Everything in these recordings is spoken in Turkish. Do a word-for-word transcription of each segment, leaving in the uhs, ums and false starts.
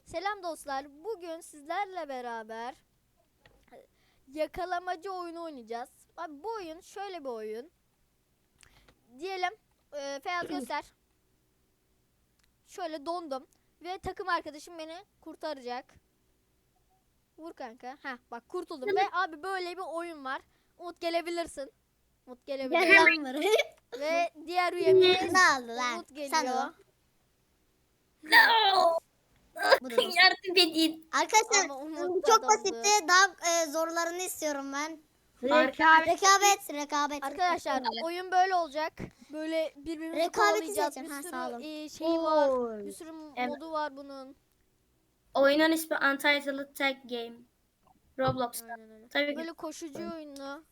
Selam dostlar. Bugün sizlerle beraber yakalamacı oyunu oynayacağız. Abi bu oyun şöyle bir oyun. Diyelim e, Feyyaz göster. Şöyle dondum ve takım arkadaşım beni kurtaracak. Vur kanka. Heh bak kurtuldum ve abi böyle bir oyun var. Umut gelebilirsin. Umut gelebilir. Yalan var. Ve diğer üyemiz Ne oldu lan? Umut Sen geliyor. o. No. Bu da dostum. Yardım edin. Arkadaşlar Ama Umut bu da çok dondu. basitti. Daha e, zorlarını istiyorum ben. Rekabet. Rekabet, rekabet. Arkadaşlar oyun böyle olacak. Böyle birbirimizi Rekabeti kovalayacağız. seçin. Bir Ha, sürü sağ olun. e, şeyi var. Oy. Bir sürü Evet. modu var bunun. Oyunun ismi Untitled Tag Game. Roblox'ta. Aynen öyle. Tabii ki. Böyle koşucu oyunu.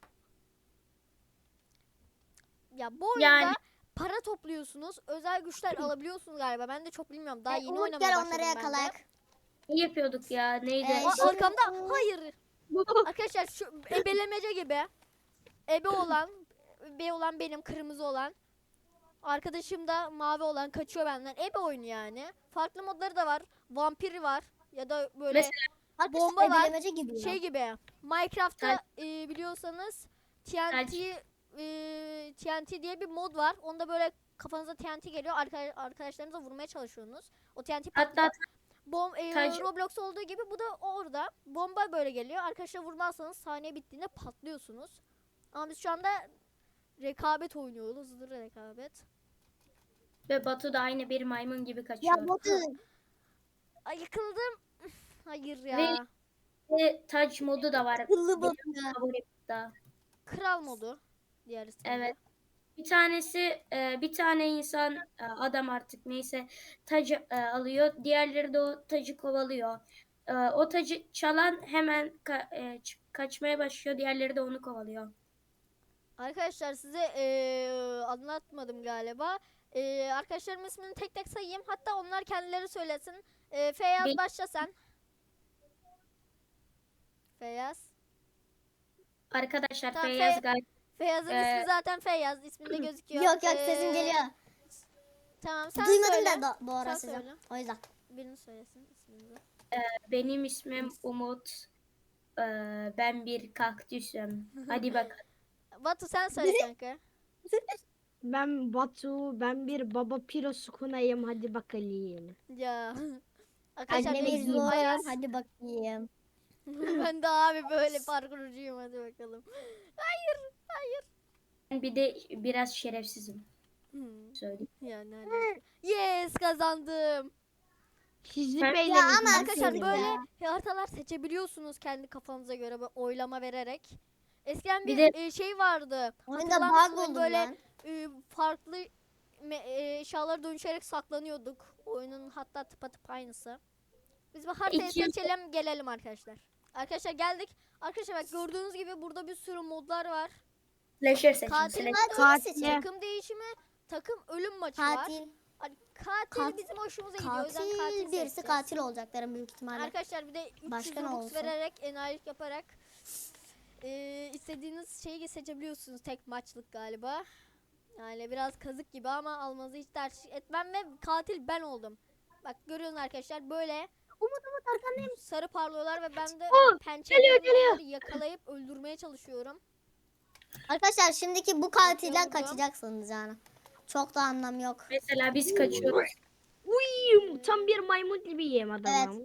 Ya bu oyunda Yani para topluyorsunuz. Özel güçler alabiliyorsunuz galiba. Ben de çok bilmiyorum. Daha E, yeni Umut oynamaya gel başladım onları ben de. yakalayak. ne yapıyorduk ya? Neydi? Ee, Aa, şey- arkamda. Hayır. Arkadaşlar şu ebelemece gibi. Ebe olan, ebe olan benim, kırmızı olan. Arkadaşım da mavi olan kaçıyor benden. Ebe oyunu yani. Farklı modları da var. Vampir var. Ya da böyle Mesela Arkadaşlar bomba var. ebelemece gibi ya. şey gibi. Minecraft'ta Tel- e, biliyorsanız T N T Tel- e, T N T diye bir mod var. Onda böyle kafanıza T N T geliyor. Arka, arkadaşlarınıza vurmaya çalışıyorsunuz. O T N T patlıyor. hatta Bom e, Tel- Roblox olduğu gibi bu da orada. Bomba böyle geliyor. Arkadaşlar vurmazsanız saniye bittiğinde patlıyorsunuz. Ama biz şu anda rekabet oynuyoruz. Hızlı rekabet. ve Batu da aynı bir maymun gibi Ya kaçıyor. botu. Ay yıkıldım. Hayır ya. Ve- Ve Touch modu da var. Kıllı botu Benim ya. favorim da. Kral modu. Diğer ismi. Evet. Bir tanesi e, bir tane insan e, adam artık neyse tacı e, alıyor. Diğerleri de o tacı kovalıyor. E, o tacı çalan hemen ka- e, ç- kaçmaya başlıyor. Diğerleri de onu kovalıyor. Arkadaşlar size eee, anlatmadım galiba. Eee arkadaşlarımın ismini tek tek sayayım. Hatta onlar kendileri söylesin. Eee Feyyaz Bil- başla sen. Feyyaz. Arkadaşlar Tamam, Feyyaz Fe- gayet Feyyaz'ın Ee, ismi zaten Feyyaz. İsminde gözüküyor. Yok yok Eee, sesim geliyor. Tamam sen Duymadım söyle. da do- bu ara Sen sizi. söyle. O yüzden. Birini söylesin ismini. benim ismim Umut. E, ben bir kaktüsüm. Hadi bakalım. Batu sen söyle kanka. Ben Batu, ben bir baba piro sukunayım, hadi bakalım. Ya. Arkadaşlar Annemiz benim zor. Ayaz. Hadi bakayım. Ben de abi böyle parkurcuyum, hadi bakalım. Hayır. Hayır. Ben bir de biraz şerefsizim. Hmm. Söyleyeyim. Yani hani. Yes kazandım. Sizi Ya beyler. ama Arkadaşlar Aferin böyle ya. haritalar seçebiliyorsunuz kendi kafanıza göre böyle oylama vererek. Eskiden bir, Bir de- e, şey vardı. Oyunda Hatırlar bug mısınız? buldum Böyle lan. e, farklı me- e, eşyalara dönüşerek saklanıyorduk. Oyunun hatta tıpatıp aynısı. Biz bu haritayı İki yıl- seçelim gelelim arkadaşlar. Arkadaşlar geldik. Arkadaşlar bak gördüğünüz gibi burada bir sürü modlar var. Slasher seçin. Katil Slasher. modu, Katil Katil. takım değişimi, takım ölüm maçı var. Katil. Hani katil Katil- bizim hoşumuza gidiyor. O yüzden katil Katil birisi seçeceğiz. katil olacakların büyük ihtimalle. Arkadaşlar bir de üç yüz Başka ne Robux olsun? vererek, enayilik yaparak eee, istediğiniz şeyi seçebiliyorsunuz tek maçlık galiba. Yani biraz kazık gibi ama almanızı hiç tercih etmem ve katil ben oldum. Bak görüyorsunuz arkadaşlar böyle Umut Umut arkandayım. sarı parlıyorlar ve ben de Oh, pençelerimle geliyor. onları yakalayıp öldürmeye çalışıyorum. Arkadaşlar şimdiki bu katilden Bakıyorum. kaçacaksınız yani. Çok da anlam yok. Mesela biz kaçıyoruz. Uy, tam bir maymun gibiyim adamım.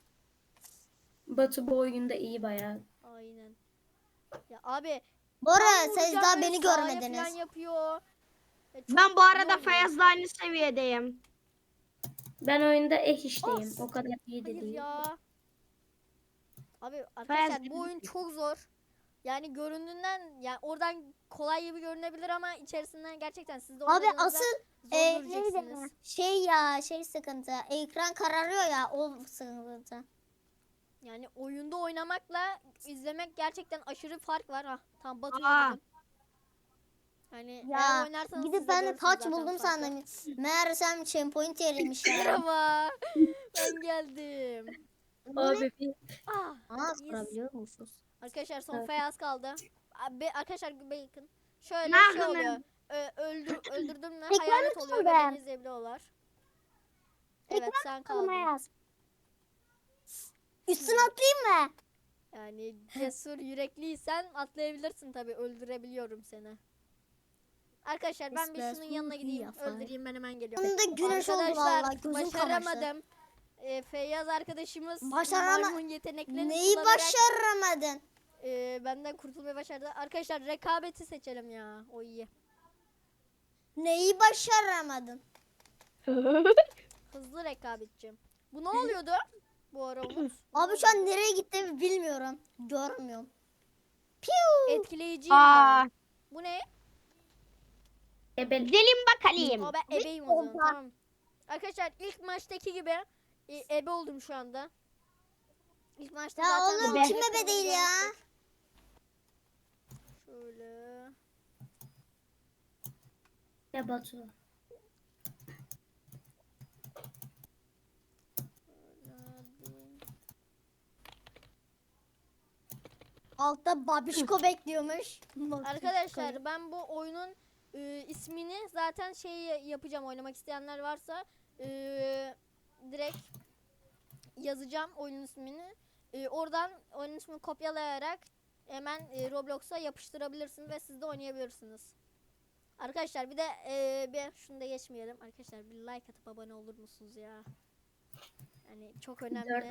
Batu bu oyunda iyi bayağı. Aynen. Ya abi Bu ara tam siz vuracağım daha böyle beni sağa görmediniz. falan yapıyor. Ya çok Ben bu iyi arada oluyor. Feyyaz'la aynı seviyedeyim. Ben oyunda eh işteyim. Of. O kadar iyi de Hayır değil. ya. Abi arkadaşlar gibi bu oyun çok zor. Yani göründüğünden yani oradan kolay gibi görünebilir ama içerisinden gerçekten siz de Abi oynadığınızda asıl zor e, göreceksiniz. neydi? Şey ya şey sıkıntı. Ekran kararıyor ya o sıkıntı. Yani oyunda oynamakla izlemek gerçekten aşırı fark var. Ha tam Batu'yu Aa. buldum. Hani Ya eğer oynarsanız siz gidip de ben de görürsünüz taç zaten buldum farkı. sandım. Meğersem checkpoint yeriymiş ya. Merhaba. Ben geldim. Abi bir Ah. Aa Yes. sorabiliyor musunuz? Arkadaşlar son Evet. Feyyaz kaldı. Abi, arkadaşlar bacon. Şöyle Ne şey yapayım oluyor. Ö, öldür, öldürdüm mü Ekranı hayalet oluyor ve kırdım. beni izleyebiliyorlar. Evet sen Kalma kaldın. yaz. Üstüne atlayayım mı? Yani cesur yürekliysen atlayabilirsin tabii. Öldürebiliyorum seni. Arkadaşlar ben bir şunun yanına gideyim. Öldüreyim, ben hemen geliyorum. Sonunda güneş oldu Arkadaşlar vallahi. Gözüm kamaştı. başaramadım. Ee, Feyyaz arkadaşımız Başarama- maymun yeteneklerini Neyi kullanarak başaramadın? e, benden kurtulmayı başardı. Arkadaşlar rekabeti seçelim ya. O iyi. Neyi başaramadın? Hızlı rekabetçi. Bu ne oluyordu? Bu ara Umut. Abi şu an nereye gittiğimi bilmiyorum. Görmüyorum. Piu. Etkileyiciyim Aa, ben. Bu ne? Ebe O gidelim bakalım. ben ebeyim o zaman. Tamam. Arkadaşlar ilk maçtaki gibi e, ebe oldum şu anda. İlk maçta Ya zaten oğlum mavi kim ebe kırmızı değil ya? yaptık. Şöyle. ne Batu? Altta babişko bekliyormuş. Arkadaşlar ben bu oyunun e, ismini zaten şey yapacağım, oynamak isteyenler varsa e, direkt yazacağım oyunun ismini. E, oradan oyunun ismini kopyalayarak hemen e, Roblox'a yapıştırabilirsiniz ve siz de oynayabilirsiniz. Arkadaşlar bir de e, bir şunu da geçmeyelim. Arkadaşlar bir like atıp abone olur musunuz ya? Yani çok önemli. Dört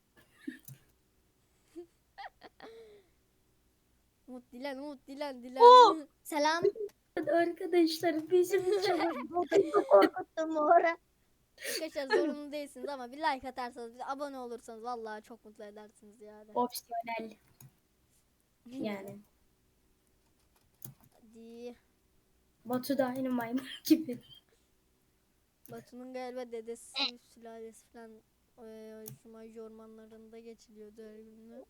Umut Dilan, Umut Dilan, Dilan. Oo! Selam. Arkadaşlar bizim çok Korkuttum oraya. Arkadaşlar zorunlu değilsiniz ama bir like atarsanız, bir de abone olursanız vallahi çok mutlu edersiniz yani. opsiyonel yani. Hadi. Batu da aynı maymun gibi. Batu'nun galiba dedesi, sülalesi falan e, Jumanji ormanlarında geçiliyordu her günü.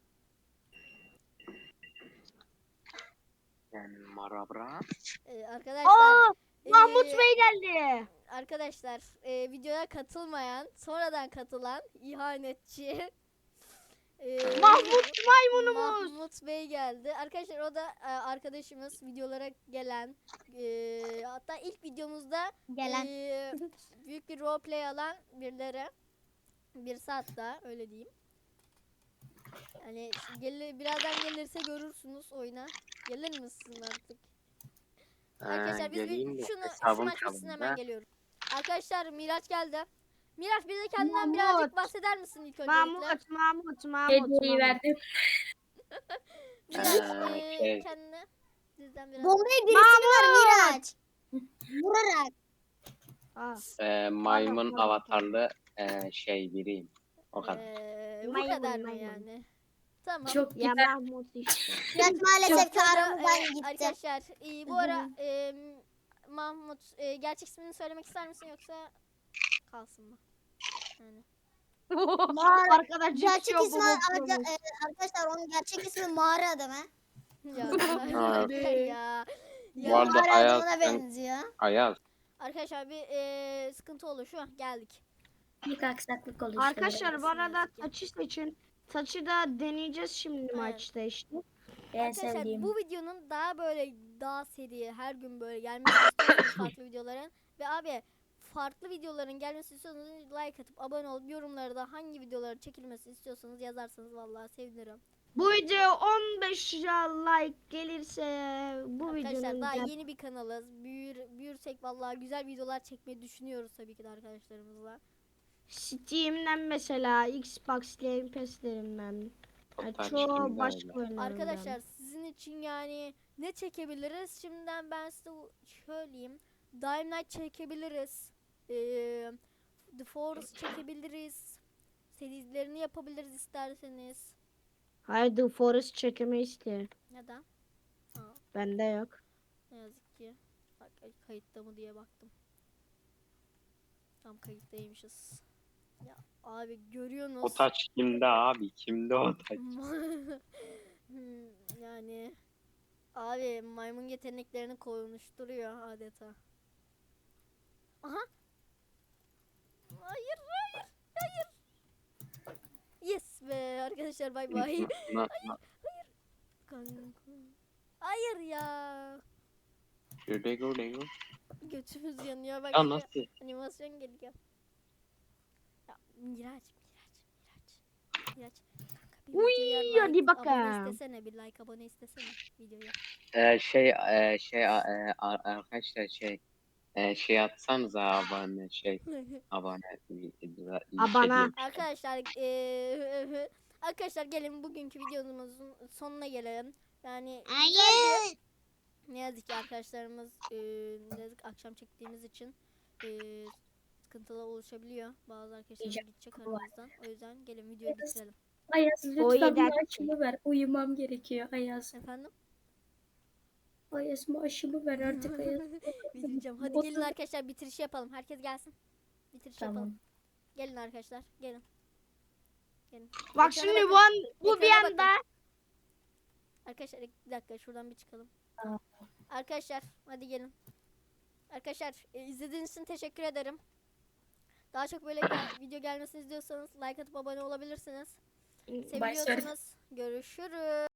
Yani marabra. E, arkadaşlar Aa, e, Mahmut Bey geldi. arkadaşlar e, videoya katılmayan, sonradan katılan ihanetçi e, Mahmut maymunumuz. Mahmut Bey geldi. Arkadaşlar o da e, arkadaşımız, videolara gelen, e, hatta ilk videomuzda Gelen. e, büyük bir roleplay alan birileri. Birisi hatta öyle diyeyim. Yani gelir, birazdan gelirse görürsünüz oyuna. Gelir misin artık? Arkadaşlar biz geleyim bir, de şunu şu hesabım maç bitsin çalındı. hemen geliyorum. Arkadaşlar Miraç geldi. Miraç bize kendinden Mahmut. birazcık bahseder misin ilk öncelikle? Mahmut, Mahmut, Mahmut. Hediyeyi Mahmut. verdim. Miraç Ee, e, şey. kendine bizden biraz Bombayı birisini var Miraç. Vurarak. Aa, Ee, maymun Tamam, tamam. avatarlı ee, şey biriyim. O kadar. Ee, bu Maymun, kadar mı maymun. yani? Tamam. Çok ya güzel. Mahmut işte. Miraç maalesef ki Sonra, aramızdan e, gitti. Arkadaşlar e, bu ara e, Mahmut e, gerçek ismini söylemek ister misin yoksa kalsın mı? Yani. Mağara- Arkadaş Gerçek geçiyor ismi bu arca- mutluluğumuz. e, arkadaşlar onun gerçek ismi Mağara adamı. Ya, Ha. ya. Bu Ya. arada Mağara Ayaz, adamına sen- benziyor. Ayaz. Arkadaşlar bir e, sıkıntı olur şu an geldik. Bir aksaklık oluştu. Arkadaşlar bu arada yazık ki. taçı seçin. Taçı da deneyeceğiz şimdi Evet. maçta işte. En Arkadaşlar sevdiğim. bu videonun daha böyle daha seri her gün böyle gelmesini istiyorsanız farklı videoların ve abi farklı videoların gelmesini istiyorsanız like atıp abone olup yorumlarda da hangi videoları çekilmesini istiyorsanız yazarsanız vallahi sevinirim. Bu video on beş like gelirse bu Arkadaşlar videonun daha da- yeni bir kanalız. Büyür, büyürsek vallahi güzel videolar çekmeyi düşünüyoruz tabii ki de arkadaşlarımızla. Steam'den mesela Xbox Game Pass'lerinden. Yani Total çoğu Steam'den başka öyle. oyunlardan. Arkadaşlar sizin için yani ne çekebiliriz? Şimdiden ben size söyleyeyim. Dying Light çekebiliriz. Ee, The Forest çekebiliriz. Serilerini yapabiliriz isterseniz. Hayır The Forest çekemeyiz ki. Neden? Ha, Bende yok. ne yazık ki. Bak kayıtta mı diye baktım. Tam kayıttaymışız. Ya abi görüyorsunuz. O taç kimde abi? Kimde o taç? Hmm, yani abi maymun yeteneklerini konuşturuyor adeta. Aha. Hayır hayır hayır. Yes be arkadaşlar bay bay. Na- na- Kanka. Hayır ya. Şöyle göre gör. Götümüz yanıyor bak. Ya şu nasıl? Animasyon geliyor. Ya Miraç Miraç Miraç. kapıyı aç. Kanka, bir Uy, videoya hadi like, bakalım. abone istesene, bir like abone istesene videoya. Ee, şey e, şey e, a- arkadaşlar şey e, şey atsanıza abone şey abone bir, bir, bir şey Abone. diyorum. Arkadaşlar eee, arkadaşlar gelin bugünkü videomuzun sonuna gelelim. Yani güzeldi. Hayır. Ne yazık ki arkadaşlarımız eee ne yazık ki akşam çektiğimiz için eee sıkıntılar oluşabiliyor. Bazı arkadaşlarımız Diyeceğim, gidecek bu var. aramızdan. O yüzden gelin videoyu Evet. bitirelim. Ayaz O lütfen yedi maaşımı ver. Uyumam gerekiyor Ayaz. Efendim? Ayaz maaşımı ver artık Ayaz. Bitireceğim. Hadi Otuz- gelin arkadaşlar bitiriş yapalım. Herkes gelsin. Bitiriş Tamam. yapalım. Gelin arkadaşlar. Gelin. Gelin. Bak Ekrana şimdi bakın. bu an bu bir Ekrana anda Arkadaşlar bir dakika şuradan bir çıkalım. Tamam. Arkadaşlar hadi gelin. Arkadaşlar e, izlediğiniz için teşekkür ederim. Daha çok böyle gel- video gelmesini istiyorsanız like atıp abone olabilirsiniz. Bye, Seviyorsanız görüşürüz.